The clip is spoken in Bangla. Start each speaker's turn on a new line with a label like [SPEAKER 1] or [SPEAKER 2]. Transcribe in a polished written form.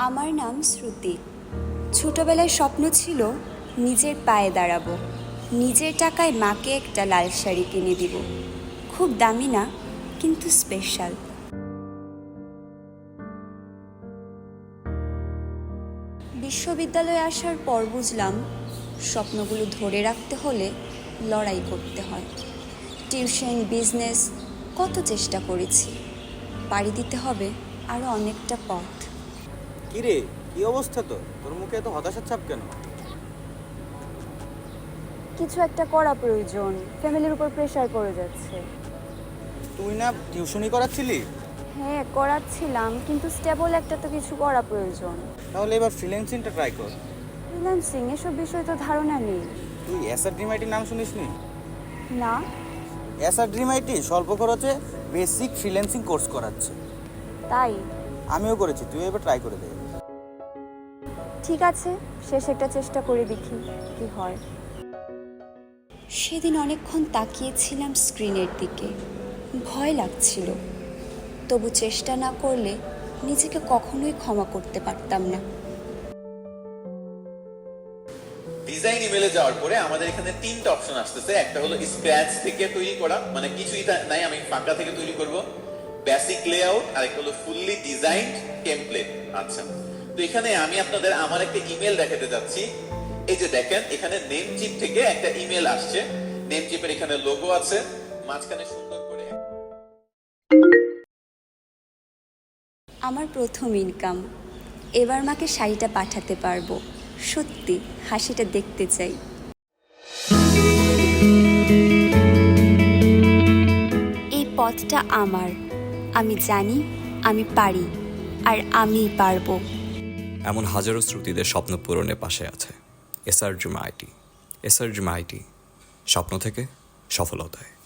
[SPEAKER 1] আমার নাম শ্রুতি। ছোটবেলায় স্বপ্ন ছিল নিজের পায়ে দাঁড়াবো, নিজের টাকায় মাকে একটা লাল শাড়ি কিনে দিব। খুব দামি না, কিন্তু স্পেশাল। বিশ্ববিদ্যালয়ে আসার পর বুঝলাম স্বপ্নগুলো ধরে রাখতে হলে লড়াই করতে হয়। টিউশন, বিজনেস, কত চেষ্টা করেছি। পাড়ি দিতে হবে আরও অনেকটা পথ।
[SPEAKER 2] কিরে, কি অবস্থা? তোর মুখে এত হতাশার ছাপ কেন?
[SPEAKER 1] কিছু একটা করা প্রয়োজন, ফ্যামিলির উপর প্রেশার পড়ে যাচ্ছে।
[SPEAKER 2] তুই না টিউশনি করাচ্ছিলি?
[SPEAKER 1] হ্যাঁ, করাচ্ছিলাম, কিন্তু স্টেবল একটা তো কিছু করা প্রয়োজন।
[SPEAKER 2] তাহলে এবার ফ্রিল্যান্সিংটা ট্রাই কর।
[SPEAKER 1] ফ্রিল্যান্সিং এসব বিষয়ে তো ধারণা নেই।
[SPEAKER 2] তুই এসআর ড্রিম আইটির নাম শুনিসনি?
[SPEAKER 1] না।
[SPEAKER 2] এসআর ড্রিম আইটি স্বল্প খরচে বেসিক ফ্রিল্যান্সিং কোর্স করাচ্ছে।
[SPEAKER 1] তাই?
[SPEAKER 2] আমিও করেছি, তুই এবার ট্রাই করে দে।
[SPEAKER 1] ঠিক আছে, শেষ একটা চেষ্টা করে দেখি কি হয়। সেদিন অনেকক্ষণ তাকিয়েছিলাম স্ক্রিনের দিকে। ভয় লাগছিল, তবু চেষ্টা না করলে নিজেকে কখনোই ক্ষমা করতে পারতাম না।
[SPEAKER 3] ডিজাইন ইমেলে যাওয়ার পরে আমাদের এখানে তিনটা অপশন আসতেছে। একটা হলো স্ক্র্যাচ থেকে তৈরি করা, মানে কিছুই নাই, আমি ফাঁকা থেকে তৈরি করব। বেসিক লেআউট, আর একটা হলো ফুললি ডিজাইন টেমপ্লেট। আচ্ছা, তো এখানে আমি আপনাদের আমার একটা ইমেল দেখাতে যাচ্ছি। এই যে দেখেন, এখানে নেম চিপ থেকে একটা ইমেল আসছে। নেম চিপের এখানে লোগো আছে, মাঝখানে সুন্দর করে
[SPEAKER 1] আমার প্রথম ইনকাম। এবার মাকে শাড়িটা পাঠাতে পারবো। সত্যি হাসিটা দেখতে চাই। এই পথটা আমার। আমি জানি, আমি পারি, আর আমিই পারবো।
[SPEAKER 4] এমন হাজারো শ্রুতিদের স্বপ্ন পূরণের পাশে আছে SR dream IT. SR dream IT, স্বপ্ন থেকে সফলতায়।